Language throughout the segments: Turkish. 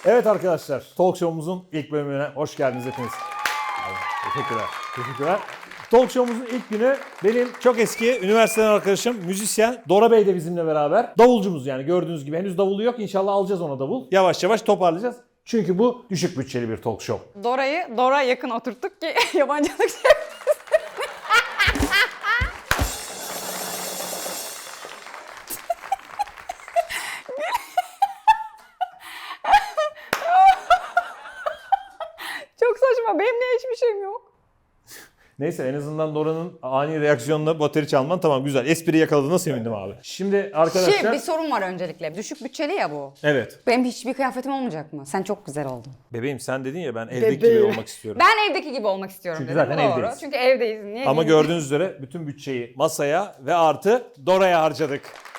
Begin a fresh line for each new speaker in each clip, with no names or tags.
Evet arkadaşlar, Talk Show'umuzun ilk bölümüne hoş geldiniz hepiniz. Teşekkürler. Teşekkürler. Talk Show'umuzun ilk günü benim çok eski üniversiteden arkadaşım, müzisyen Dora Bey de bizimle beraber. Davulcumuz yani gördüğünüz gibi. Henüz davulu yok. İnşallah alacağız ona davul. Yavaş yavaş toparlayacağız. Çünkü bu düşük bütçeli bir talk show.
Dora'ya yakın oturttuk ki yabancılık şey. Çok saçma. Benim niye hiçbir şeyim yok?
Neyse en azından Dora'nın ani reaksiyonla bateri çalman tamam güzel. Espriyi yakaladığına sevindim abi. Şimdi arkadaşlar...
Bir sorun var öncelikle. Düşük bütçeli ya bu.
Evet.
Benim hiçbir kıyafetim olmayacak mı? Sen çok güzel oldun.
Bebeğim sen dedin ya ben evdeki gibi olmak istiyorum.
Ben evdeki gibi olmak istiyorum
Çünkü
dedim.
zaten
Doğru.
evdeyiz.
Çünkü evdeyiz. Niye
Ama
giyineyim?
gördüğünüz üzere bütün bütçeyi masaya ve artı Dora'ya harcadık.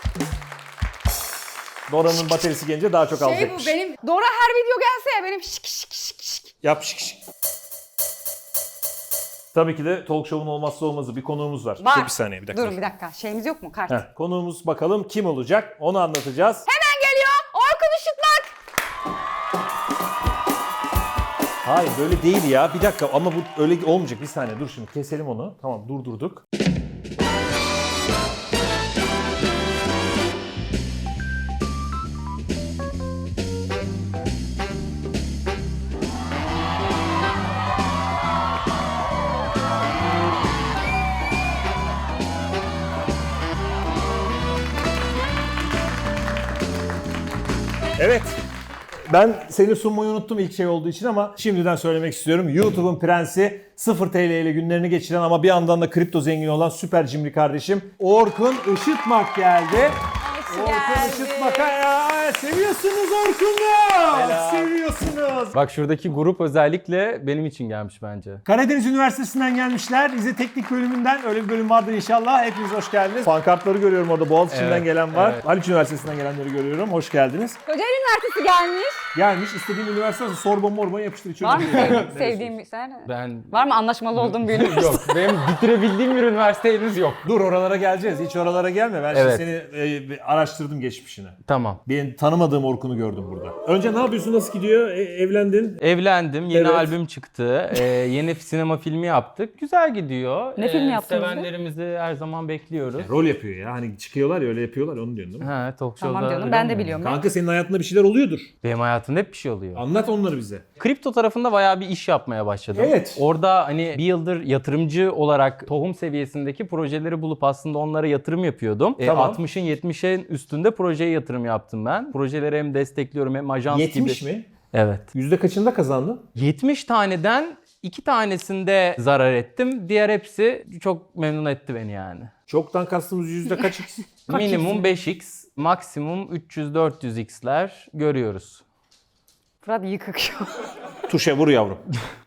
Dora'nın baterisi gelince daha çok
Şey bu
alacakmış.
benim. Dora her video gelse ya benim şık şık şık şık.
Yap şık şık. Tabii ki de talk show'un olmazsa olmazı bir konuğumuz var.
Var.
Dur bir saniye bir dakika.
Durun bir dakika. Şeyimiz yok mu? Kart.
Heh, konuğumuz bakalım kim olacak onu anlatacağız.
Hemen geliyor. Orkun Işıtmak.
Hayır böyle değil ya bir dakika ama bu öyle olmayacak bir saniye dur şimdi keselim onu. Tamam durdurduk. Evet. Ben seni sunmayı unuttum ilk şey olduğu için ama şimdiden söylemek istiyorum. YouTube'un prensi 0 TL ile günlerini geçiren ama bir yandan da kripto zengini olan süper cimri kardeşim Orkun Işıtmak geldi. Orkun Işıtmak'a ya seviyorsunuz Orkun'u. Seviyorsunuz.
Bak şuradaki grup özellikle benim için gelmiş bence.
Karadeniz Üniversitesi'nden gelmişler. Rize Teknik Bölümünden. Öyle bir bölüm vardır inşallah. Hepiniz hoş geldiniz. Pankartları görüyorum orada. Boğaziçi'nden
Evet,
gelen var.
evet.
Haliç Üniversitesi'nden gelenleri görüyorum. Hoş geldiniz.
Kocaeli Üniversitesi gelmiş.
Gelmiş. İstediğin üniversite olsa Sorbon Morbon yapıştır. Hiç
Var mı
önemli değil.
sevdiğim bir sen?
Ben
Var mı anlaşmalı olduğum bir üniversite?
yok. Benim bitirebildiğim bir üniversite henüz yok.
Dur oralara geleceğiz. Hiç oralara gelme. Ben
Evet.
şimdi seni araştırdım geçmişini.
Tamam.
Ben tanımadığım Orkun'u gördüm burada. Önce ne yapıyorsun? Nasıl gidiyor? Evlendin.
Evlendim. Yeni
Evet.
albüm çıktı. Yeni sinema filmi yaptık. Güzel gidiyor.
Ne filmi yaptınız be?
Sevenlerimizi her zaman bekliyoruz.
Rol yapıyor ya. Hani çıkıyorlar ya öyle yapıyorlar. Onu diyorsun değil mi?
Ha, talk show'da
Tamam canım
öyle
ben de
olmuyor.
biliyorum.
Kanka senin hayatında bir şeyler oluyordur.
Benim hayatımda hep bir şey oluyor.
Anlat onları bize.
Kripto tarafında bayağı bir iş yapmaya başladım.
Evet.
Orada hani bir yıldır yatırımcı olarak tohum seviyesindeki projeleri bulup aslında onlara yatırım yapıyordum.
Tamam.
60'ın 70'in üstünde projeye yatırım yaptım ben. Projeleri hem destekliyorum hem ajans
70
gibi.
mi?
Evet.
Yüzde kaçında kazandın?
70 taneden 2 tanesinde zarar ettim. Diğer hepsi çok memnun etti beni yani.
Çoktan kastımız yüzde kaç x?
Minimum 5x, maksimum 300-400x'ler görüyoruz.
Fırat yıkık şu an.
Tuşa vur yavrum.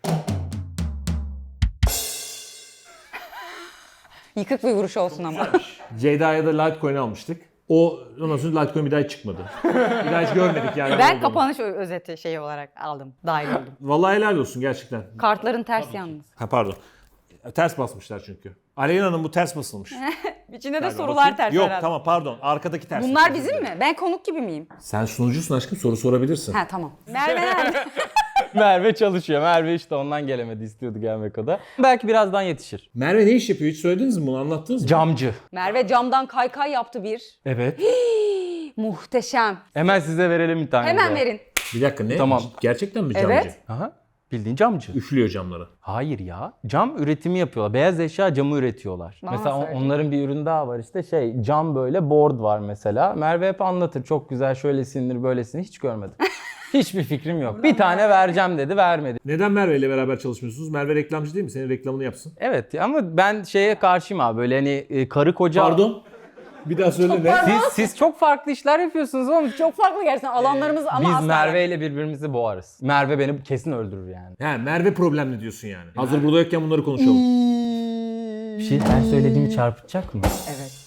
Yıkık bir vuruş olsun ama.
Ceyda'ya da Litecoin almıştık. Ondan sonra Litecoin bir daha hiç çıkmadı. Bir daha hiç görmedik yani.
Ben
olduğunu.
kapanış özeti şeyi olarak aldım. Dahil oldum.
Vallahi helal olsun gerçekten.
Kartların ters yalnız.
Ha pardon. Ters basmışlar çünkü. Aleyna'nın bu ters basılmış.
İçinde de
Galiba
sorular
bakayım.
ters
Yok
herhalde.
tamam pardon. Arkadaki ters.
Bunlar bizim mi? Ben konuk gibi miyim?
Sen sunucusun aşkım soru sorabilirsin.
Ha tamam. Merve nerede?
Merve çalışıyor. Merve işte ondan gelemedi, istiyordu gelmek o da. Belki birazdan yetişir.
Merve ne iş yapıyor hiç söylediniz mi bunu anlattınız mı?
Camcı.
Merve camdan kaykay yaptı bir.
Evet.
Muhteşem.
Hemen size verelim bir tane
Hemen
de.
verin.
Bir dakika ne?
Tamam.
Gerçekten mi camcı?
Evet.
Aha. Bildiğin camcı.
Üflüyor camları.
Hayır ya. Cam üretimi yapıyorlar. Beyaz eşya camı üretiyorlar.
Bana
mesela
söyle.
onların bir ürün daha var işte cam böyle board var mesela. Merve hep anlatır. Çok güzel şöylesindir böylesindir. Hiç görmedim. Hiçbir fikrim yok. Bir tane vereceğim dedi vermedi.
Neden Merve ile beraber çalışmıyorsunuz? Merve reklamcı değil mi? Senin reklamını yapsın.
Evet ama ben şeye karşıyım abi böyle hani karı koca...
Pardon. Bir daha söyle ne?
Siz çok farklı işler yapıyorsunuz oğlum.
Çok farklı gerçekten alanlarımız ama
Biz
asla.
Merve ile birbirimizi boğarız. Merve beni kesin öldürür yani.
He Merve problemli diyorsun yani. Hazır burada yokken bunları konuşalım.
Bir şey ben söylediğimi çarpıtacak mı?
Evet.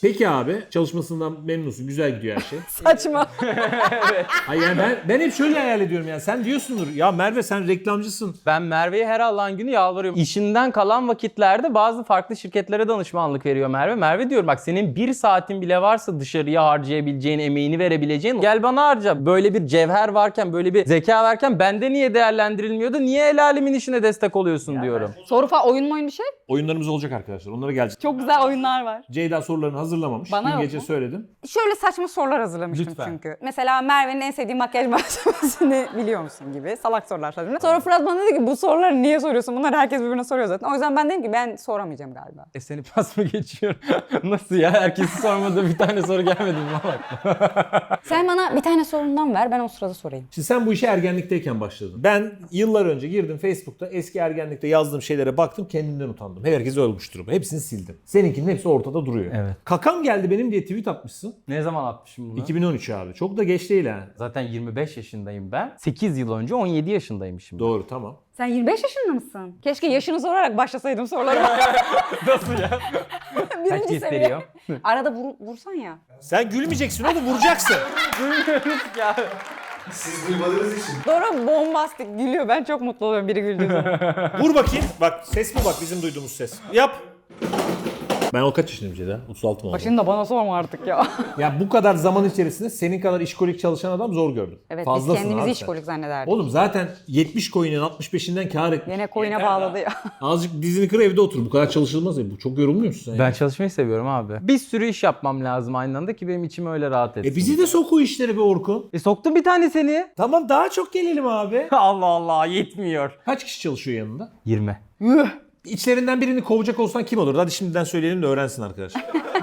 Peki abi çalışmasından memnunsun. Güzel gidiyor her şey.
Saçma.
Hayır yani ben hep şöyle hayal ediyorum yani. Sen diyorsundur ya Merve sen reklamcısın.
Ben Merve'ye her Allah'ın günü yalvarıyorum. İşinden kalan vakitlerde bazı farklı şirketlere danışmanlık veriyor Merve. Merve diyorum bak senin bir saatin bile varsa dışarıya harcayabileceğin, emeğini verebileceğin gel bana harca. Böyle bir cevher varken, böyle bir zeka varken bende niye değerlendirilmiyordu? Niye el alemin işine destek oluyorsun diyorum.
Soru falan oyun mu oyun bir şey?
Oyunlarımız olacak arkadaşlar. Onlara geleceğiz.
Çok güzel oyunlar var.
Ceyda sorularını hazırlamamış.
Bana
Dün
yok
gece
mu?
söyledim.
Şöyle saçma sorular hazırlamıştım
Lütfen.
çünkü. Mesela Merve'nin en sevdiği makyaj malzemesini biliyor musun gibi salak sorular sordum. Sonra Fırat bana dedi ki bu soruları niye soruyorsun? Bunları herkes birbirine soruyor zaten. O yüzden ben dedim ki ben soramayacağım galiba.
Seni pas mı geçiyor? Nasıl ya? Herkesi sormadığı bir tane soru gelmedi mi?
Sen bana bir tane sorundan ver ben o sırada sorayım.
Şimdi sen bu işe ergenlikteyken başladın. Ben yıllar önce girdim Facebook'ta eski ergenlikte yazdığım şeylere baktım kendimden utandım. Herkes ölmüş durumda. Hepsini sildim. Seninkinin hepsi ortada duruyor.
Evet.
Kakam geldi benim diye tweet atmışsın.
Ne zaman atmışım bunu?
2013 abi. Çok da geç değil ha.
Zaten 25 yaşındayım ben. 8 yıl önce 17 yaşındaymışım.
Doğru tamam.
Sen 25 yaşında mısın? Keşke yaşını sorarak başlasaydım sorulara.
Nasıl ya?
Birinci
Kaç
seviye.
gösteriyor?
Arada vursan ya.
Sen gülmeyeceksin oğlum vuracaksın.
ya.
Siz duymadığınız için.
Dora bombastik gülüyor. Ben çok mutlu oluyorum biri güldüğü zaman.
Vur bakayım. Bak ses mi bak bizim duyduğumuz ses. Yap. Ben o kaç yaşındayım Ceyda? 36 mı oldu?
Başını da bana sorma artık ya.
Ya bu kadar zaman içerisinde senin kadar işkolik çalışan adam zor gördüm.
Evet
Fazlasın
biz kendimizi
abi
işkolik
sen.
zannederdik.
Oğlum zaten 70 coin'in 65'inden kar etmiş.
Yine coin'e
Yeter
bağladı
ya.
ya.
Azıcık dizini kır evde otur. Bu kadar çalışılmaz ya. Bu çok yorulmuyor musun sen?
Ben
ya?
çalışmayı seviyorum abi. Bir sürü iş yapmam lazım aynı anda ki benim içim öyle rahat etsin.
Bizi de sok o işlere be Orkun.
Soktum bir tane seni.
Tamam daha çok gelelim abi.
Allah Allah yetmiyor.
Kaç kişi çalışıyor yanında?
20.
İçlerinden birini kovacak olsan kim olur? Hadi şimdiden söyleyelim de öğrensin arkadaş.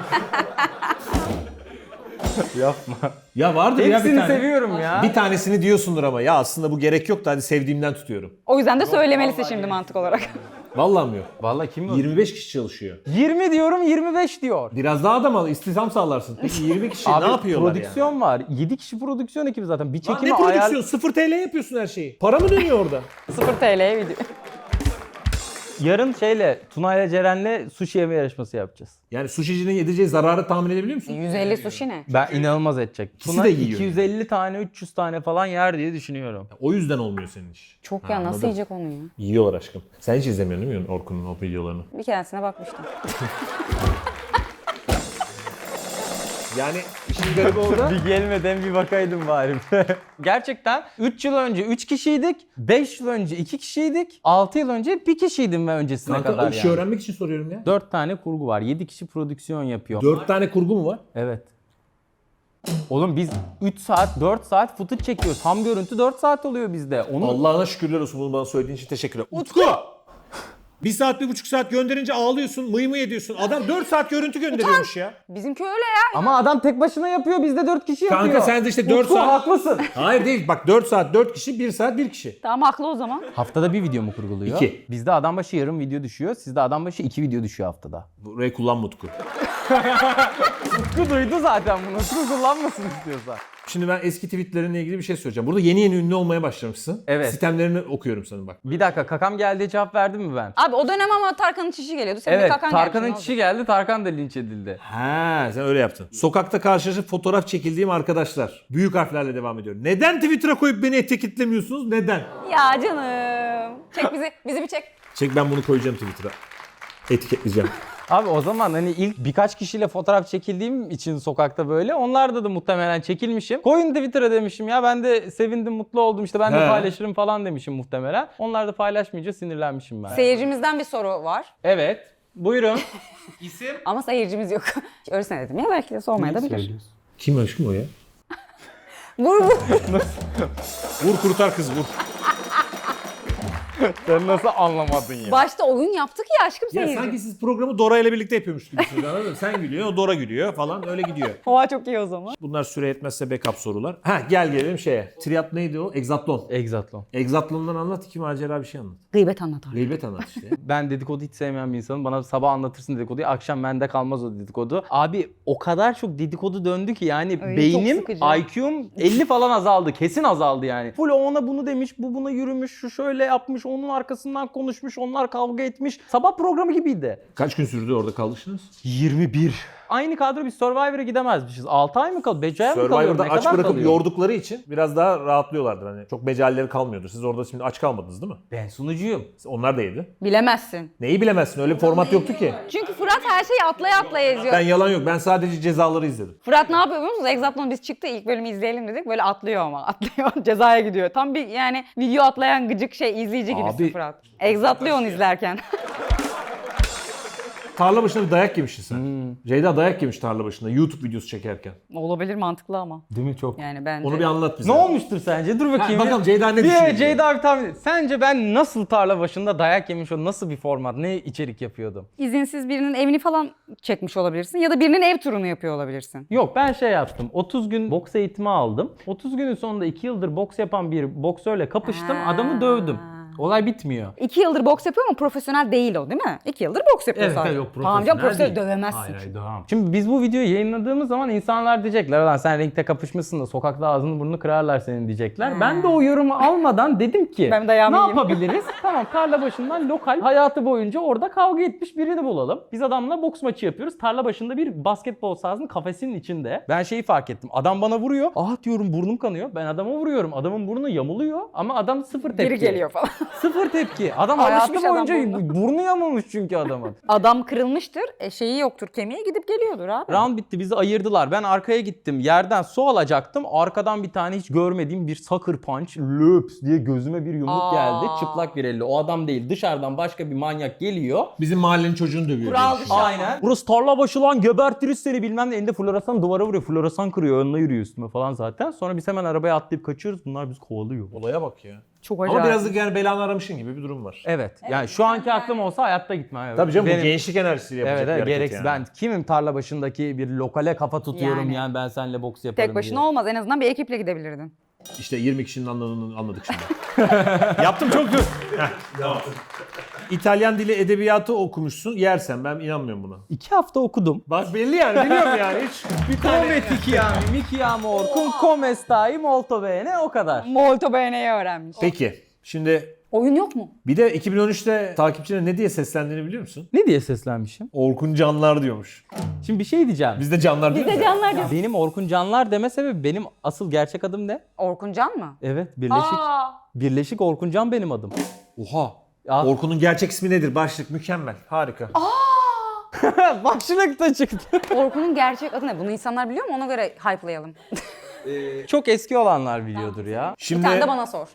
Yapma.
Ya vardır ya bir
Hepsini
tane.
seviyorum ya.
Bir tanesini diyorsundur ama ya aslında bu gerek yok da hadi sevdiğimden tutuyorum.
O yüzden de söylemelisin şimdi mantık olarak.
Vallahi mi yok?
Vallahi kim bu?
25 kişi çalışıyor.
20 diyorum 25 diyor.
Biraz daha adam al, istihdam sağlarsın. Peki 20 kişi
Abi
ne yapıyorlar
prodüksiyon var. 7 kişi prodüksiyon ekibi zaten. Bir
yani? Lan ne
çekimi ayar...
prodüksiyon? 0 TL yapıyorsun her şeyi. Para mı dönüyor orada?
0 TL'ye video.
Yarın Tuna'yla Ceren'le sushi yeme yarışması yapacağız.
Yani sushi'cinin yedeceği zararı tahmin edebiliyor musun?
150 sushi ne?
Ben inanılmaz edecek.
İkisi
Tuna
de yiyor
250 tane 300 tane falan yer diye düşünüyorum.
O yüzden olmuyor senin iş.
Çok
Ha,
ya nasıl
anladım.
yiyecek onu ya?
Yiyorlar aşkım. Sen hiç izlemiyorsun değil mi Orkun'un o videolarını?
Bir keresine bakmıştım.
Yani işin garibi orada.
Bir gelmeden bir bakaydım bari. Gerçekten 3 yıl önce 3 kişiydik, 5 yıl önce 2 kişiydik, 6 yıl önce 1 kişiydim ve öncesine
Kanka
kadar
o işi
yani.
öğrenmek için soruyorum ya.
4 tane kurgu var, 7 kişi prodüksiyon yapıyor.
4 tane kurgu mu var?
Evet. Oğlum biz 3 saat, 4 saat footage çekiyoruz. Ham görüntü 4 saat oluyor bizde. Onu
Allah'ına şükürler olsun bunu bana söylediğin için teşekkürler. Utku! 1 saat 1,5 saat gönderince ağlıyorsun, mıy mıy ediyorsun. Adam 4 saat görüntü gönderiyormuş ya.
Bizimki öyle ya.
ama adam tek başına yapıyor, bizde 4 kişi yapıyor.
Kanka sen de işte 4
Utku,
saat...
haklısın.
Hayır değil bak 4 saat 4 kişi 1 saat 1 kişi.
Tamam haklı o zaman.
Haftada bir video mu kurguluyor?
2.
Bizde adam başı yarım video düşüyor, sizde adam başı 2 video düşüyor haftada.
Burayı kullanma Utku.
Utku duydu zaten bunu. Utku kullanmasın istiyorsa.
Şimdi ben eski tweetlerinle ilgili bir şey söyleyeceğim. Burada yeni yeni ünlü olmaya başlamışsın.
Evet.
Sistemlerini okuyorum sana bak.
Bir dakika, kakam geldiği cevap verdim mi ben?
Abi o dönem ama Tarkan'ın çişi geliyordu. Senin de
Evet,
kakan
Tarkan'ın
geldi.
çişi geldi, Tarkan da linç edildi.
Ha, sen öyle yaptın. Sokakta karşılaşıp fotoğraf çekildiğim arkadaşlar. Büyük harflerle devam ediyorum. Neden Twitter'a koyup beni etiketlemiyorsunuz? Neden?
Ya canım. Çek bizi. Bizi bir çek.
Çek ben bunu koyacağım Twitter'a. Etiketleyeceğim.
Abi o zaman hani ilk birkaç kişiyle fotoğraf çekildiğim için sokakta böyle, onlarda da muhtemelen çekilmişim. Koyun Twitter'a demişim ya, ben de sevindim, mutlu oldum, işte ben de
He.
paylaşırım falan demişim muhtemelen. Onlar da paylaşmayınca sinirlenmişim ben.
Seyircimizden bir soru var.
Evet, buyurun.
Ama seyircimiz yok. Öylesine dedim ya belki de sormaya da bilir.
Kim aşkım o ya?
Vur vur.
Vur kurtar kız vur.
Sen nasıl anlamadın ya?
Başta oyun yaptık ya aşkım
Ya
seyirci.
sanki siz programı Dora ile birlikte yapıyormuş gibisiniz anladın mı? Sen gülüyorsun, o Dora gülüyor falan öyle gidiyor.
Oha çok iyi o zaman.
Bunlar süre yetmezse backup sorular. Ha gel gelelim şeye. Triat neydi o? Egzatlon.
Egzatlon.
Egzatlon'dan anlat, iki macera bir şey anlat.
Gıybet anlatar.
Gıybet anlat işte.
Ben dedikodu hiç sevmeyen bir insanım. Bana sabah anlatırsın dedikoduyu, akşam bende kalmaz o dedikodu. Abi o kadar çok dedikodu döndü ki yani
Öyle
beynim,
çok sıkıcı.
IQ'm 50 falan azaldı. Kesin azaldı yani. Full o ona bunu demiş, bu buna yürümüş, şu şöyle yapmış, onun arkasından konuşmuş, onlar kavga etmiş. Sabah programı gibiydi.
Kaç gün sürdü orada kalışınız?
21. Aynı kadro bir Survivor'a gidemezmişiz. 6 ay mı kalıyor? 5 ay mı kalıyor?
Survivor'da
Ne
aç
kadar
bırakıp
kalıyor?
yordukları için biraz daha rahatlıyorlardır. Hani çok becerileri kalmıyordur. Siz orada şimdi aç kalmadınız değil mi?
Ben sunucuyum.
Onlar da yedi.
Bilemezsin.
Neyi bilemezsin? Öyle bir format yoktu ki.
Çünkü Fırat her şeyi atlaya atlaya izliyor.
Ben yalan yok. Ben sadece cezaları izledim.
Fırat ne yapıyor biliyor musunuz? Exatlon biz çıktı ilk bölümü izleyelim dedik. Böyle atlıyor ama. Atlıyor. Cezaya gidiyor. Tam bir yani video atlayan gıcık izleyici gibisin
Abi-
Fırat. Exatlıyor onu izlerken.
Tarla başında bir dayak yemişsin sen. Ceyda dayak yemiş tarla başında YouTube videosu çekerken.
Olabilir, mantıklı ama.
Değil mi çok?
Yani bence.
Onu bir anlat bize.
Ne olmuştur sence? Dur bakayım.
bakalım Ceyda ne
Bir
düşünüyor?
Ceyda bir tahmin et. Sence ben nasıl tarla başında dayak yemiş o nasıl bir format? Ne içerik yapıyordum?
İzinsiz birinin evini falan çekmiş olabilirsin ya da birinin ev turunu yapıyor olabilirsin.
Yok ben şey yaptım. 30 gün boks eğitimi aldım. 30 günün sonunda 2 yıldır boks yapan bir boksörle kapıştım.
Ha.
Adamı dövdüm. Olay bitmiyor.
2 yıldır boks yapıyor ama profesyonel değil o değil mi? 2 yıldır boks yapıyor sadece. Tamam canım, profesyonel dövemezsin.
Hayır, dövemem. Şimdi biz bu videoyu yayınladığımız zaman insanlar diyecekler lan sen ringte kapışmışsın da sokakta ağzını burnunu kırarlar senin diyecekler. Ben de o yorumu almadan dedim ki
Ben dayağımı
ne
yiyeyim.
yapabiliriz? Tamam tarla başından lokal hayatı boyunca orada kavga etmiş birini bulalım. Biz adamla boks maçı yapıyoruz. Tarla başında bir basketbol sahasının kafesinin içinde. Ben şeyi fark ettim. Adam bana vuruyor. Ah diyorum burnum kanıyor. Ben adama vuruyorum. Adamın burnu yamuluyor ama adam sıfır tepki.
Biri geliyor falan.
Sıfır tepki. Adam
Alışmış
hayatı
adam
boyunca burnu yamulmuş çünkü adamın.
Adam kırılmıştır, şeyi yoktur, kemiği gidip geliyordur abi.
Round bitti bizi ayırdılar. Ben arkaya gittim. Yerden su alacaktım. Arkadan bir tane hiç görmediğim bir sucker punch löps diye gözüme bir yumruk geldi. Çıplak bir elle. O adam değil. Dışarıdan başka bir manyak geliyor.
Bizim mahallenin çocuğunu dövüyor.
Kural
diyor.
dışı.
Aynen. Burası tarla başı lan gebertiriz seni bilmem ne. Elinde floresan duvara vuruyor. Floresan kırıyor. Önüne yürüyor üstüme falan zaten. Sonra biz hemen arabaya atlayıp kaçıyoruz. Bunlar bizi kovalıyor.
Olaya bak ya.
Çok
Ama
acayip.
biraz da yani belanı aramışın gibi bir durum var.
Evet. Yani şu anki aklım olsa hayatta gitmem. Evet.
Tabii canım
Benim-
bu gençlik enerjisiyle yapacak
Evet,
bir
evet
hareket
gereksiz.
yani.
Ben kimim tarla başındaki bir lokale kafa tutuyorum yani,
Yani.
ben seninle boks yaparım
Tek başına
diye.
olmaz, en azından bir ekiple gidebilirdin.
İşte 20 kişinin anladığını anladık şimdi. Yaptım çok dur. İtalyan dili edebiyatı okumuşsun. Yersen ben inanmıyorum buna.
2 hafta okudum.
Bak belli yani biliyorum yani hiç. Bir tane.
Come ti chiami, mi chiamo Orkun, come stai, molto bene, o kadar.
Molto beğeneyi öğrenmiş.
Peki şimdi
Oyun yok mu?
bir de 2013'te takipçilerine ne diye seslendiğini biliyor musun?
Ne diye seslenmişim?
Orkun Canlar diyormuş.
Şimdi bir şey diyeceğim.
Biz de Canlar diyoruz ya.
Canlar diyor.
Benim Orkun Canlar deme sebebi benim asıl gerçek adım ne?
Orkun Can mı?
Evet, Birleşik. Birleşik Orkun Can benim adım.
Oha.
Ya,
Orkun'un gerçek ismi nedir? Başlık mükemmel. Harika.
başlıkta çıktı.
Orkun'un gerçek adı ne? Bunu insanlar biliyor mu? Ona göre hype'layalım.
Çok eski olanlar biliyordur ya.
Bir
Şimdi
tane de bana sor.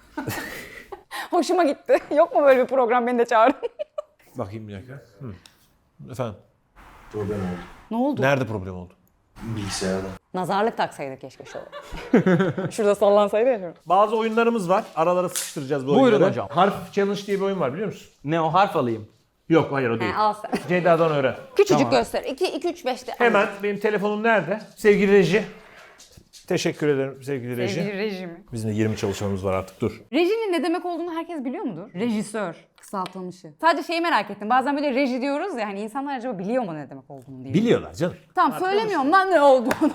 Hoşuma gitti. Yok mu böyle bir program, beni de çağırın.
bakayım bir dakika. Efendim.
Problem oldu.
Ne oldu?
Nerede problem oldu?
Bilgisayarda.
Nazarlık taksaydık keşke şöyle. Şurada sallansaydı ya şurada.
Bazı oyunlarımız var. Aralara sıkıştıracağız bu
Buyurun
oyunları.
hocam.
Harf Challenge diye bir oyun var biliyor musun?
Ne o harf alayım?
Yok hayır o değil.
Al sen.
Ceyda'dan öğren.
Küçücük göster. 2, 3, 5'te.
Hemen benim telefonum nerede? Sevgili reji. Teşekkür ederim sevgili reji.
Sevgili rejimi.
Bizim de 20 çalışanımız var artık dur.
Rejinin ne demek olduğunu herkes biliyor mudur? Rejisör. Kısaltılmışı. Sadece şeyi merak ettim. Bazen böyle reji diyoruz ya, hani insanlar acaba biliyor mu ne demek olduğunu diye.
Biliyorlar canım.
Tamam, söylemiyorum lan ne olduğunu.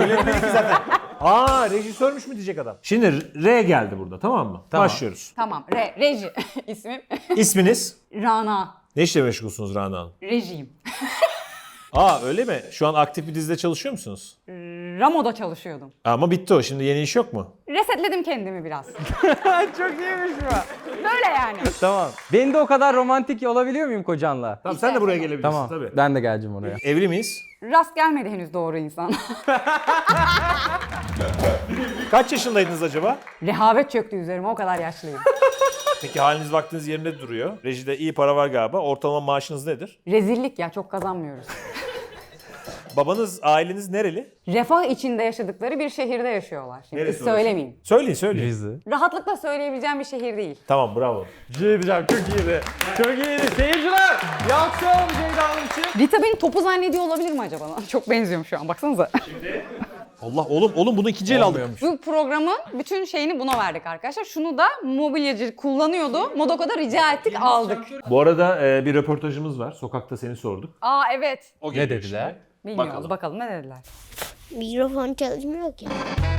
Aa rejisörmüş mü diyecek adam. Şimdi R geldi burada tamam mı?
Tamam.
Başlıyoruz.
Tamam. Reji. İsmim
İsminiz?
Rana.
Ne işle meşgulsünüz Rana Hanım?
Rejiyim.
Aa öyle mi? Şu an aktif bir dizide çalışıyor musunuz?
Ramo'da çalışıyordum.
Ama bitti o. Şimdi yeni iş yok mu?
Resetledim kendimi biraz.
Çok iyiymiş bu.
Böyle yani.
Tamam. Ben de o kadar romantik olabiliyor muyum kocanla?
Tamam sen de buraya gelebilirsin
Tamam.
tabii.
Ben de geleceğim oraya.
Evli miyiz?
Rast gelmedi henüz doğru insan.
Kaç yaşındaydınız acaba?
Rehavet çöktü üzerime, o kadar yaşlıyım.
Peki haliniz vaktiniz yerinde duruyor. Rejide iyi para var galiba. Ortalama maaşınız nedir?
Rezillik ya, çok kazanmıyoruz.
Babanız, aileniz nereli?
Refah içinde yaşadıkları bir şehirde yaşıyorlar. Şimdi
Neresi orası?
söylemeyeyim.
Söyleyin.
Rize.
Rahatlıkla söyleyebileceğim bir şehir değil.
Tamam bravo.
Şey diyeceğim çok iyiydi. Çok iyiydi. Seyirciler bir alkışlayalım Ceyda Hanım için.
Rita beni topu zannediyor olabilir mi acaba? Çok benziyorum şu an, baksanıza.
Allah oğlum bunu ikinci el aldık.
Bu programın bütün şeyini buna verdik arkadaşlar. Şunu da mobilyacı kullanıyordu. Modoko'da rica ettik, aldık.
Bu arada bir röportajımız var. Sokakta seni sorduk.
Aa evet.
O
Ne
geliyor
dediler?
şimdi.
Bilmiyoruz, bakalım ne dediler.
Mikrofon çalışmıyor ki.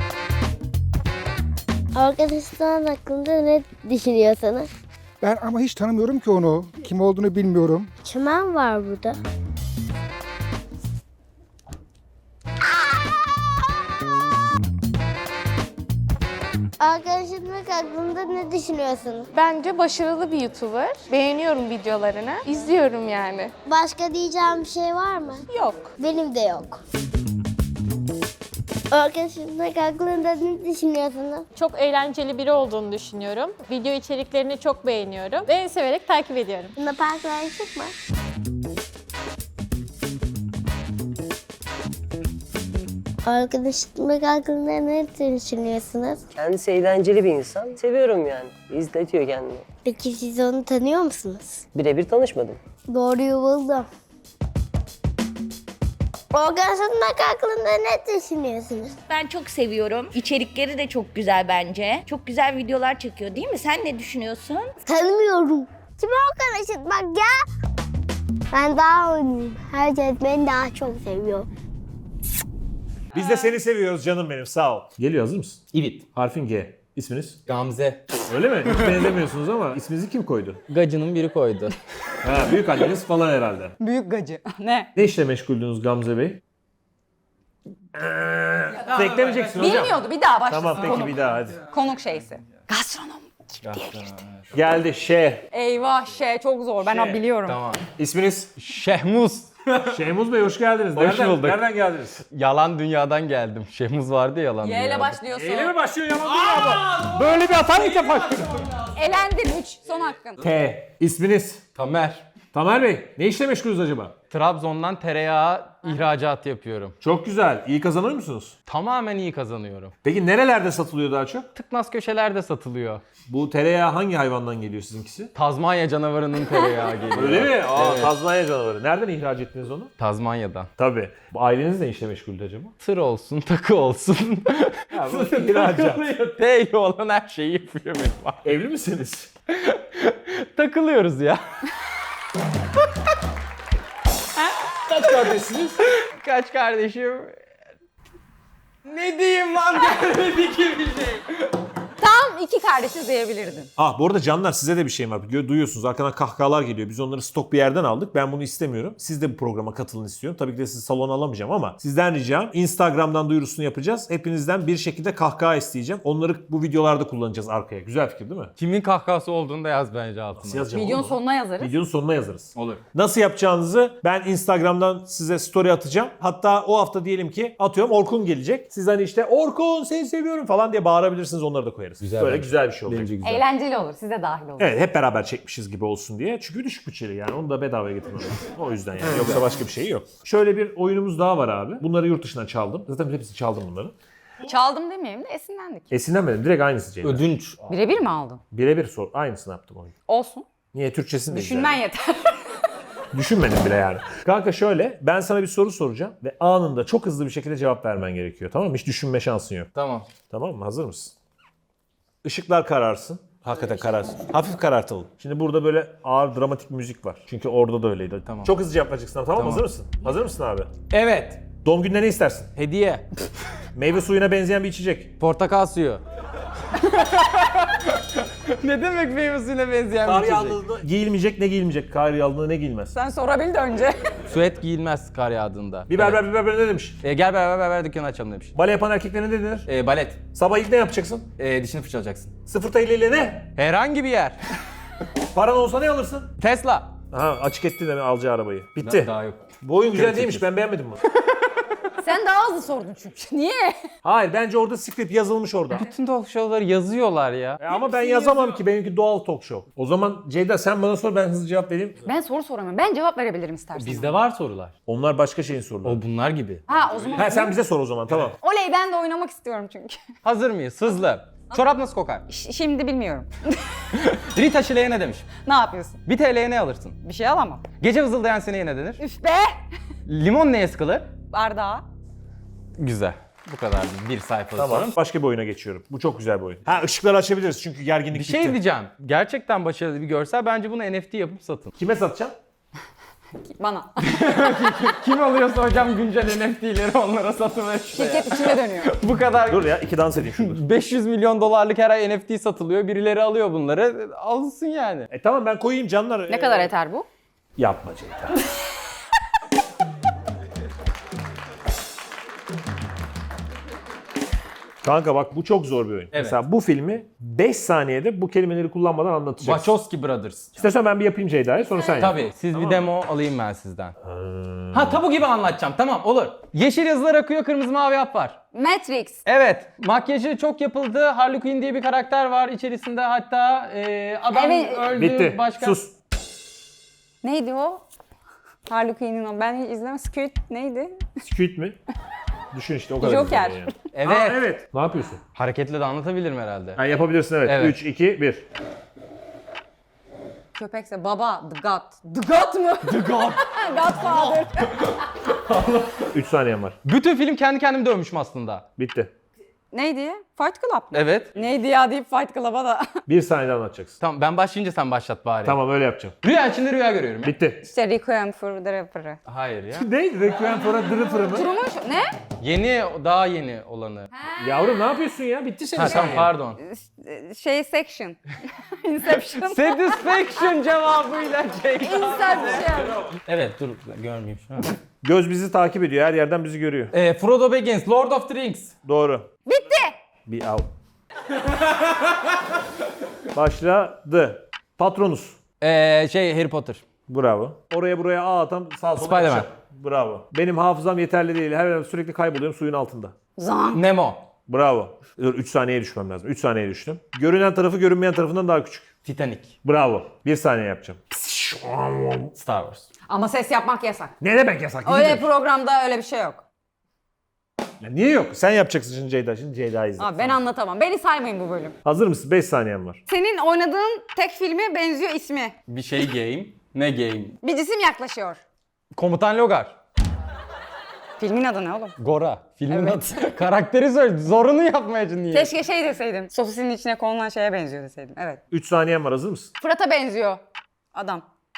Arkadaşlar hakkında ne düşünüyorsunuz?
Ben ama hiç tanımıyorum ki onu. Kim olduğunu bilmiyorum.
Çimen var burada. Arkadaşlık hakkında ne düşünüyorsunuz?
Bence başarılı bir YouTuber. Beğeniyorum videolarını. İzliyorum yani.
Başka diyeceğim bir şey var mı?
Yok.
Benim de yok. Arkadaşlık hakkında ne düşünüyorsunuz?
Çok eğlenceli biri olduğunu düşünüyorum. Video içeriklerini çok beğeniyorum ve severek takip ediyorum.
Bunda parklar açık mı? Arkadaşlık hakkında ne düşünüyorsunuz?
Kendisi eğlenceli bir insan. Seviyorum yani. İzletiyor kendini.
Peki siz onu tanıyor musunuz?
Birebir tanışmadım.
Doğruyu buldum. Arkadaşlık hakkında ne düşünüyorsunuz?
Ben çok seviyorum. İçerikleri de çok güzel bence. Çok güzel videolar çekiyor değil mi? Sen ne düşünüyorsun?
Tanımıyorum. Kim arkadaşlık bak ya? Ben daha ünlüyüm. Herkes beni daha çok seviyor.
Biz de seni seviyoruz canım benim, sağ ol. Geliyor, hazır mısın?
Evet.
Harfin G. İsminiz?
Gamze.
Öyle mi? Hiç benzemiyorsunuz ama isminizi kim koydu?
Gacının biri koydu.
Ha, büyük anneniz falan herhalde.
Büyük gacı. Ne?
Ne işle meşguldünüz Gamze Bey? Beklemeyeceksin hocam.
Bilmiyordu. Bir daha başlasın.
Tamam peki, bir daha hadi.
Konuk şeysi. Gastronom diye girdi.
Geldi Ş.
Eyvah çok zor. Ben biliyorum.
Tamam.
İsminiz?
Şehmuz.
Şehmuz Bey, hoş geldiniz.
Hoş bulduk.
Nereden geldiniz?
Yalan dünyadan geldim. Şehmuz vardı ya yalan
Y ile
dünyada.
başlıyorsun.
Eyle mi başlıyor yalan dünya bu?
Böyle bir hata ilk defa.
Elendin 3. Son hakkın.
T. İsminiz?
Tamer.
Tamer Bey, ne işle meşgulüz acaba?
Trabzon'dan tereyağı ihracat yapıyorum.
Çok güzel. İyi kazanır mısınız?
Tamamen iyi kazanıyorum.
Peki nerelerde satılıyor daha çok?
Tıknaz köşelerde satılıyor.
Bu tereyağı hangi hayvandan geliyor sizinkisi?
Tazmanya canavarının tereyağı geliyor.
Öyle mi? Aa, Tazmanya canavarı. Nereden ihraç ettiniz onu?
Tazmanya'dan.
Tabii. Bu aileniz ne işle meşguldü acaba?
Tır olsun, takı olsun.
Ya bu ihracat.
T ile olan her şeyi yapıyor benim abi.
Evli misiniz?
Takılıyoruz ya.
Kaç kardeşsiniz?
Kaç kardeşim? Ne diyeyim lan, gelmedi ki bir şey.
Tam 2 kardeşiz diyebilirdin.
Ah, bu arada canlar, size de bir şeyim var. Duyuyorsunuz, arkadan kahkahalar geliyor. Biz onları stok bir yerden aldık. Ben bunu istemiyorum. Siz de bu programa katılın istiyorum. Tabii ki de sizi salona alamayacağım ama sizden ricam, Instagram'dan duyurusunu yapacağız. Hepinizden bir şekilde kahkaha isteyeceğim. Onları bu videolarda kullanacağız arkaya. Güzel fikir değil mi?
Kimin kahkahası olduğunu da yaz bence altına.
Nasıl yazacağım
Videonun
oğlum?
sonuna yazarız.
Videonun sonuna yazarız.
Olur.
Nasıl yapacağınızı ben Instagram'dan size story atacağım. Hatta o hafta diyelim ki atıyorum Orkun gelecek. Siz hani işte Orkun seni seviyorum falan diye bağırabilirsiniz, onları da koyarız.
Güzel
Böyle
bence.
güzel bir şey olacak.
Bence güzel.
Eğlenceli olur. Siz de dahil olun.
Evet, hep beraber çekmişiz gibi olsun diye. Çünkü düşük bütçeli yani, onu da bedavaya getirmem. O yüzden yani. Yoksa başka bir şey yok. Şöyle bir oyunumuz daha var abi. Bunları yurt dışından çaldım. Zaten hepsini çaldım bunları.
Çaldım demeyeyim de esinlendik.
Esinlenmedim. Direkt aynısı Ceyda.
Ödünç.
Birebir mi aldın?
Birebir sor. Aynısını yaptım oyun.
Olsun.
Niye? Türkçesini de
Düşünmen
güzel.
yeter.
Düşünmedim bile yani. Kanka şöyle, ben sana bir soru soracağım ve anında çok hızlı bir şekilde cevap vermen gerekiyor. Tamam mı? Hiç düşünme şansın yok.
Tamam.
Tamam mı? Hazır mısın? Işıklar kararsın. Hakikaten kararsın. Hafif karartalım. Şimdi burada böyle ağır dramatik müzik var. Çünkü orada da öyleydi.
Tamam.
Çok hızlı cevap vereceksin ama, tamam mı? Hazır mısın? Hazır mısın abi?
Evet.
Doğum gününe ne istersin?
Hediye.
Meyve suyuna benzeyen bir içecek.
Portakal suyu. Ne demek meyve suyuna benzeyen bir
Kar
içecek?
yağdığında giyilmeyecek, ne giyilmeyecek? Kar yağdığında ne giyilmez?
Sen sorabil de önce.
Süet giyilmez kar yağdığında.
Bir berber ne demiş?
Gel beraber dükkanı açalım demiş.
Bale yapan erkeklere ne denir?
Balet.
Sabah ilk ne yapacaksın?
Dişini fırçalayacaksın.
0 TL ile ne?
Herhangi bir yer.
Paran olsa ne alırsın?
Tesla.
Aha, açık etti de alacağı arabayı. Bitti.
Daha yok.
Bu oyun güzel
Kötü
değilmiş,
çekiyorsun.
ben beğenmedim bunu.
Sen daha hızlı sordun çünkü. Niye?
Hayır, bence orada script yazılmış orada.
Bütün talk show'ları yazıyorlar ya.
Ama ben yazamam ki, benimki doğal talk show. O zaman Ceyda sen bana sor, ben hızlı cevap vereyim.
Ben soru soramıyorum. Ben cevap verebilirim istersen.
Bizde var sorular.
Onlar başka şeyin soruları.
O bunlar gibi.
Ha o zaman.
Ha, sen bize sor o zaman, tamam.
Oley, ben de oynamak istiyorum çünkü.
Hazır mıyız? Hızlı. Çorap nasıl kokar?
Şimdi bilmiyorum.
Rita Şile'ye ne demiş?
Ne yapıyorsun?
1 TL'ye ne alırsın?
Bir şey alamam.
Gece vızıldayan sineğe ne denir?
Üf be!
Limon neye sıkılır?
Bardağı.
Güzel. Bu kadar bir sayfa
Tamam.
soru.
Başka bir oyuna geçiyorum. Bu çok güzel bir oyun. Ha, ışıkları açabiliriz çünkü gerginlik
Bir şey
bitti.
diyeceğim. Gerçekten başarılı bir görsel. Bence bunu NFT yapıp satın.
Kime satacaksın?
Bana.
Kim alıyorsa hocam güncel NFT'leri onlara satın işte.
Şirket içinde dönüyor.
Bu kadar
Dur ya, 2 dans edeyim şurada.
500 milyon dolarlık her ay NFT satılıyor. Birileri alıyor bunları. Alsın yani.
Tamam, ben koyayım canlar.
Ne kadar yeter bu?
Yapma Ceyda. Kanka bak bu çok zor bir oyun.
Evet.
Mesela bu filmi 5 saniyede bu kelimeleri kullanmadan anlatacaksın.
Wachowski Brothers.
İstersen ben bir yapayım Ceyda'yı sonra sen yap.
Tabii. Siz bir demo alayım ben sizden. Ha tabu gibi anlatacağım. Tamam olur. Yeşil yazılar akıyor, kırmızı mavi hap var.
Matrix.
Evet. Makyajı çok yapıldı. Harley Quinn diye bir karakter var içerisinde. Hatta adam
Evet.
öldü.
Bitti.
Başka...
Sus.
Neydi o? Harley Quinn'in o. Ben hiç izlemem. Squid neydi?
Squid mi? Düşün işte o kadar.
Joker.
güzel yani.
Evet.
Aa, evet. Ne yapıyorsun?
Hareketle de anlatabilirim herhalde.
Ha, yapabilirsin evet.
Evet.
3, 2, 1.
Köpekse baba. The God. The God mı? The God. Godfather.
3 saniyen var.
Bütün film kendi kendimi dövmüşüm aslında.
Bitti.
Neydi? Fight Club mı?
Evet.
Neydi ya deyip Fight Club'a da.
1 saniyede anlatacaksın.
Tamam ben başlayınca sen başlat bari.
Tamam öyle yapacağım.
Rüya içinde rüya görüyorum ya.
Bitti.
İşte Requiem for the Rapper'ı.
Hayır ya.
Neydi? Requiem for a Dreamer mı?
Durmuş. Ne?
Yeni, daha yeni olanı.
Yavrum ne yapıyorsun ya? Bitti senin
Ha tamam
saniyen.
pardon.
Section. Inception.
Satisfaction cevabıyla Ceyda.
Inception.
Evet dur görmeyeyim şu an.
Göz bizi takip ediyor. Her yerden bizi görüyor.
Frodo Baggins, Lord of the Rings.
Doğru.
Bitti.
Bir av. Başladı. Patronus.
Harry Potter.
Bravo. Oraya buraya ağ atan sağ sola
Spider-Man.
kaçacak. Bravo. Benim hafızam yeterli değil. Her yerden sürekli kayboluyorum suyun altında.
Zang.
Nemo.
Bravo. 3 saniyeye düşmem lazım. 3 saniyeye düştüm. Görünen tarafı görünmeyen tarafından daha küçük.
Titanic.
Bravo. 1 saniye yapacağım.
Star Wars.
Ama ses yapmak yasak.
Ne demek yasak?
Öyle programda öyle bir şey yok.
Ya niye yok? Sen yapacaksın şimdi Ceyda. Şimdi Ceyda izle.
Abi ben anlatamam. Beni saymayın bu bölüm.
Hazır mısın? 5 saniyen var.
Senin oynadığın tek filme benziyor ismi.
Bir şey game. Ne game?
Bir cisim yaklaşıyor.
Komutan Logar.
Filmin adı ne oğlum?
Gora. Filmin
Evet.
adı. Karakteri söyle. Zorunu yapmaya niye?
Keşke şey deseydim. Sosisinin içine konulan şeye benziyor deseydim. Evet.
3 saniyen var. Hazır mısın?
Fırat'a benziyor. Adam.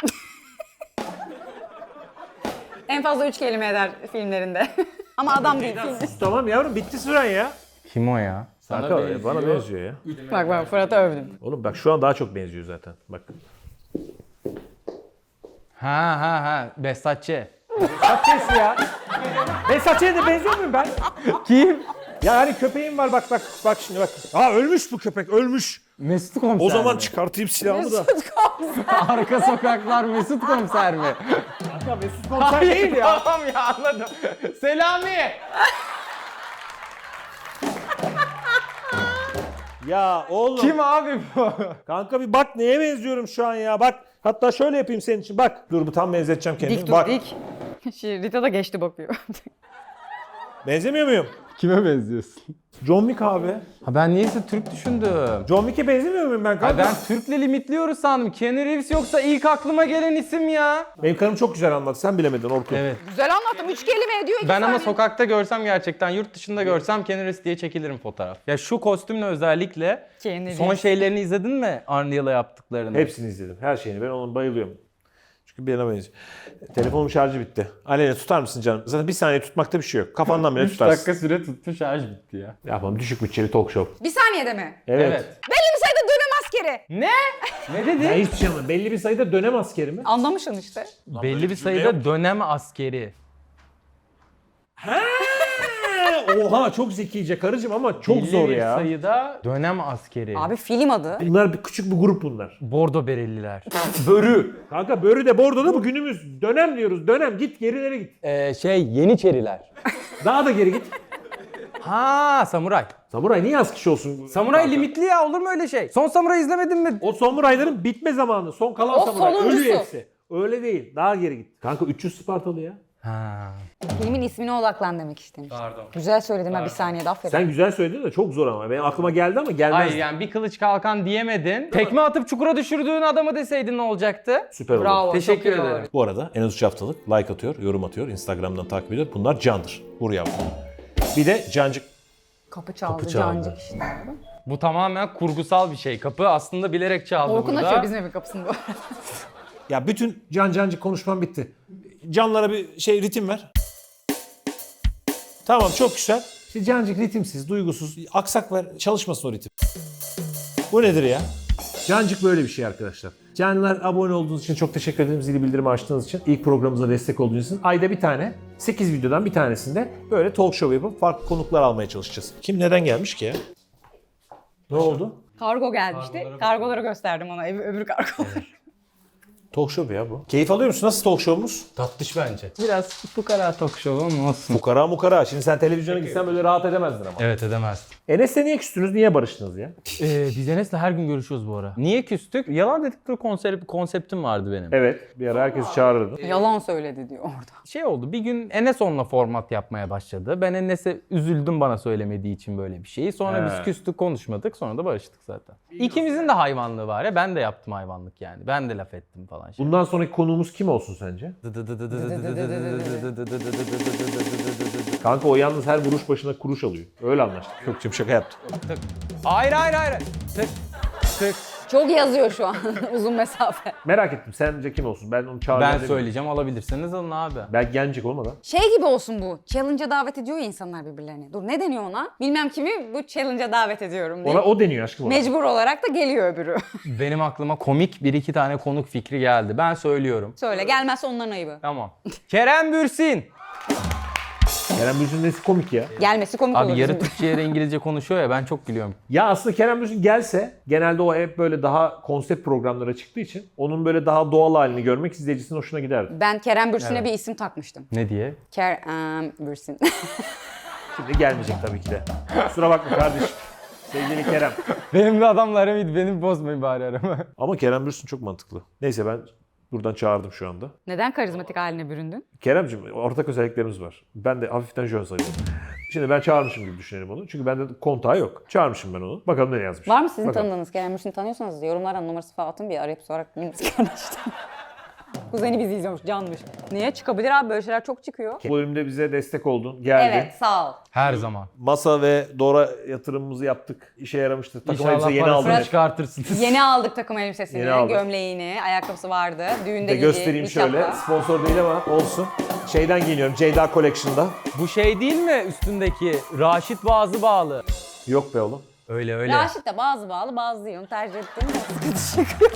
En fazla 3 kelime eder filmlerinde. Ama adam değil. Film.
Tamam yavrum bitti süren ya.
Kim o ya?
Kanka bana benziyor ya.
Bak bak Fırat'a övdüm.
Oğlum bak şu an daha çok benziyor zaten. Bak.
Ha. Besatçı.
Behzatçı'sı ya. Behzatçı'ya da benziyor muyum ben?
Kim?
Ya hani köpeğim var bak şimdi bak. Aa ölmüş bu köpek ölmüş.
Mesut Komiser
O zaman
mi?
çıkartayım silahımı da.
Arka sokaklar Mesut Komiser mi?
Ya Mesut Komiser değil ya.
Tamam ya anladım. Selami.
Ya oğlum.
Kim abi bu?
Kanka bir bak neye benziyorum şu an ya bak. Hatta şöyle yapayım senin için bak. Dur bu tam benzeteceğim kendimi.
Dik dur
bak.
dik. Rita da geçti bakıyor.
Benzemiyor muyum?
Kime benziyorsun?
John Wick abi.
Ha ben niyeyse Türk düşündüm.
John Wick'e benzemiyor muyum ben kanka?
Ha ben Türk'le limitliyoruz sandım. Keanu Reeves yoksa ilk aklıma gelen isim ya.
Benim karım çok güzel anlattı. Sen bilemedin Orkun.
Evet.
Güzel anlattım. 3 kelime ediyor. 2
Ben ama
saniye.
sokakta görsem gerçekten yurt dışında görsem Keanu Reeves diye çekilirim fotoğraf. Ya şu kostümle özellikle
Keanu
son
Reeves.
şeylerini izledin mi Unreal'a yaptıklarını?
Hepsini izledim. Her şeyini. Ben onun bayılıyorum. Çünkü birine benziyor. Telefonum şarjı bitti. Aleyna tutar mısın canım? Zaten bir saniye tutmakta bir şey yok. Kafandan bile
3
tutarsın.
dakika süre tuttu şarj bitti ya.
Yapalım düşük bütçeli talk show.
1 saniyede mi?
Evet.
Belli bir sayıda dönem askeri.
Ne? Ne dedi?
Ya hiçbir şey anlamadım. Belli bir sayıda dönem askeri mi?
Anlamışsın işte.
Belli bir sayıda dönem askeri.
Oha çok zekice karıcığım ama çok
Belli
zor
bir
ya.
sayıda dönem askeri.
Abi film adı.
Bunlar bir küçük bir grup bunlar.
Bordo bereliler.
Börü. Kanka börü de bordo da bu günümüz. Dönem diyoruz. Dönem git gerilere git.
Yeniçeriler.
Daha da geri git.
Ha samuray.
Samuray niye az kişi olsun?
Samuray
Kanka?
limitli ya olur mu öyle şey? Son samuray izlemedin mi?
O samurayların bitme zamanı. Son kalan
O
samuray.
sonuncusu.
Ölüyor hepsi. Öyle değil. Daha geri git. Kanka 300 Spartalı ya.
Ha.
Filmin ismine odaklan demek istemiş.
Pardon.
Güzel söyledim ha 1 saniyede aferin.
Sen güzel söyledin de çok zor ama. Benim aklıma geldi ama gelmez.
Hayır yani bir kılıç kalkan diyemedin. Tekme atıp çukura düşürdüğün adamı deseydin ne olacaktı?
Süper oldu.
Bravo.
Teşekkür
çok iyi
ederim.
oldu.
Bu arada en az 3 haftalık like atıyor, yorum atıyor, Instagram'dan takip ediyor. Bunlar candır. Vur yavrum. Bir de cancık.
Kapı çaldı,
Kapı çaldı.
cancık işte.
Bu tamamen kurgusal bir şey. Kapı aslında bilerek çaldı
Orkun
burada.
açıyor bizim evin kapısını bu.
Ya bütün cancık konuşmam bitti. Canlara bir şey ritim ver. Tamam çok güzel. İşte cancık ritimsiz, duygusuz, aksak ver, çalışmasın o ritim. Bu nedir ya? Cancık böyle bir şey arkadaşlar. Canlar, abone olduğunuz için çok teşekkür ederim. Zili bildirimi açtığınız için, ilk programımıza destek olduğunuz için. Ayda bir tane, 8 videodan bir tanesinde böyle talk show yapıp farklı konuklar almaya çalışacağız. Kim neden gelmiş ki ya? Ne oldu?
Kargo gelmişti. Kargoları gösterdim ona. Öbür kargoları.
Talk show ya bu. Keyif alıyor musun? Nasıl talk show'umuz?
Tatlış bence. Biraz fukara talk show ama olsun.
Fukara mukara. Şimdi sen televizyona gitsen böyle rahat edemezdin ama.
Evet edemezdim.
Enes'le niye küstünüz? Niye barıştınız ya?
Biz Enes'le her gün görüşüyoruz bu ara. Niye küstük? Yalan dedektör konseptim vardı benim.
Evet. Bir ara herkesi çağırırdın.
Yalan söyledi diyor orada.
Şey oldu, bir gün Enes onunla format yapmaya başladı. Ben Enes'e üzüldüm bana söylemediği için böyle bir şeyi. Sonra biz küstük, konuşmadık. Sonra da barıştık zaten. İkimizin de hayvanlığı var ya. Ben de yaptım hayvanlık yani. Ben de laf ettim falan.
Bundan sonraki konuğumuz kim olsun sence? Kanka o yalnız her vuruş başına kuruş alıyor. Öyle anlaştık. Yok şaka yaptım.
Hayır. Tık. Tık.
Çok yazıyor şu an uzun mesafe.
Merak ettim. Sence kim olsun? Ben onu
Ben
çağıracağım.
söyleyeceğim, alabilirseniz alın abi.
Belki gelecek olmadan.
Şey gibi olsun bu. Challenge'a davet ediyor ya insanlar birbirlerini. Dur ne deniyor ona? Bilmem kimi bu challenge'a davet ediyorum diye.
Ona o deniyor aşkım. Ona.
Mecbur olarak da geliyor öbürü.
Benim aklıma komik bir iki tane konuk fikri geldi. Ben söylüyorum.
Söyle gelmezse onların ayıbı.
Tamam. Kerem Bürsin.
Kerem Bürsin nesi komik ya?
Gelmesi komik olur.
Abi yarı
bizim.
Türkçe yarı İngilizce konuşuyor ya, ben çok gülüyorum.
Ya aslında Kerem Bürsin gelse genelde o hep böyle daha konsept programlara çıktığı için onun böyle daha doğal halini görmek izleyicisinin hoşuna giderdi.
Ben Kerem Bürsin'e bir isim takmıştım.
Ne diye?
Kerem Bürsin.
Şimdi gelmeyecek tabii ki de. Kusura bakma kardeşim. Sevgili Kerem.
Benim de adamlarım iyiydi, beni bozmayın bari arama.
Ama Kerem Bürsin çok mantıklı. Neyse ben buradan çağırdım şu anda.
Neden karizmatik haline büründün?
Keremciğim ortak özelliklerimiz var. Ben de hafiften jön sayıyorum. Şimdi ben çağırmışım gibi düşünelim onu. Çünkü bende kontağı yok. Çağırmışım ben onu. Bakalım ne yazmış.
Var mı sizin
Bakalım.
tanıdığınız Kerem Bürsin'i tanıyorsanız yorumlardan numarası falan atın bir arayıp sorarak biliriz kardeşten. Kuzeni bizi izliyormuş, canmış. Niye? Çıkabilir abi, böyle şeyler çok çıkıyor.
Bu bölümde bize destek oldun. Geldin.
Evet, sağ ol.
Her zaman.
Masa ve Dora yatırımımızı yaptık. İşe yaramıştır. Takım
İnşallah
elbise yeni
parasını
aldım.
çıkartırsınız.
Yeni aldık takım elbisesini,
Yeni aldık.
gömleğini, ayakkabısı vardı. Düğünde
Bir de göstereyim şöyle. Sponsor değil ama olsun. Şeyden giyiniyorum. Ceyda Collection'da.
Bu şey değil mi üstündeki? Raşit Boğazı bağlı.
Yok be oğlum.
Öyle.
Raşit de bazı bağlı, bazı değil. Onu tercih ettim. Sıkıntı çıkıyor.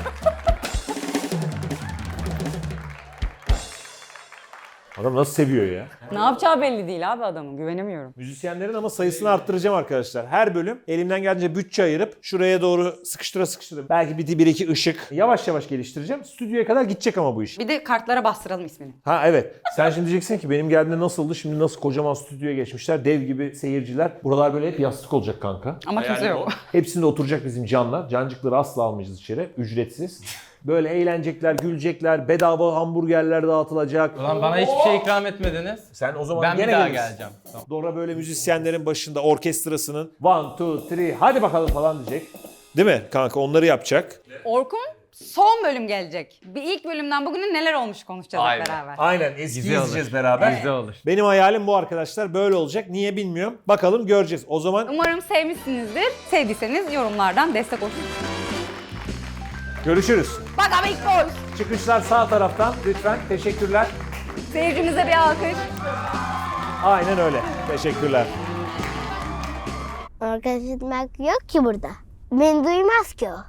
Adam nasıl seviyor ya.
Ne yapacağı belli değil abi adamın. Güvenemiyorum.
Müzisyenlerin ama sayısını arttıracağım arkadaşlar. Her bölüm elimden geldiğince bütçe ayırıp şuraya doğru sıkıştıra. Belki bir iki ışık. Yavaş yavaş geliştireceğim. Stüdyoya kadar gidecek ama bu iş.
Bir de kartlara bastıralım ismini.
Ha evet. Sen şimdi diyeceksin ki benim geldiğimde nasıldı? Şimdi nasıl kocaman stüdyoya geçmişler. Dev gibi seyirciler. Buralar böyle hep yastık olacak kanka.
Ama kimse yok.
Hepsinde oturacak bizim canlar. Cancıkları asla almayacağız içeri. Ücretsiz. Böyle eğlenecekler, gülecekler. Bedava hamburgerler dağıtılacak.
Ulan bana hiçbir şey ikram etmediniz.
Sen o zaman
Ben bir
gene
daha
gelirsin.
geleceğim. Tamam.
Dora böyle müzisyenlerin başında orkestrasının 1, 2, 3 hadi bakalım falan diyecek. Değil mi kanka? Onları yapacak.
Orkun son bölüm gelecek. Bir ilk bölümden bugüne neler olmuş konuşacağız hep
Aynen.
beraber.
Aynen eskiyi
Güzel olur.
izleyeceğiz beraber.
Güzel olur.
Benim hayalim bu arkadaşlar. Böyle olacak. Niye bilmiyorum. Bakalım göreceğiz. O zaman
Umarım sevmişsinizdir. Sevdiyseniz yorumlardan destek olun.
görüşürüz.
Bak ama ilk boy.
Çıkışlar sağ taraftan. Lütfen. Teşekkürler.
Seyircimize bir alkış.
Aynen öyle. Teşekkürler.
Arkadaşım yok ki burada. Beni duymaz ki o.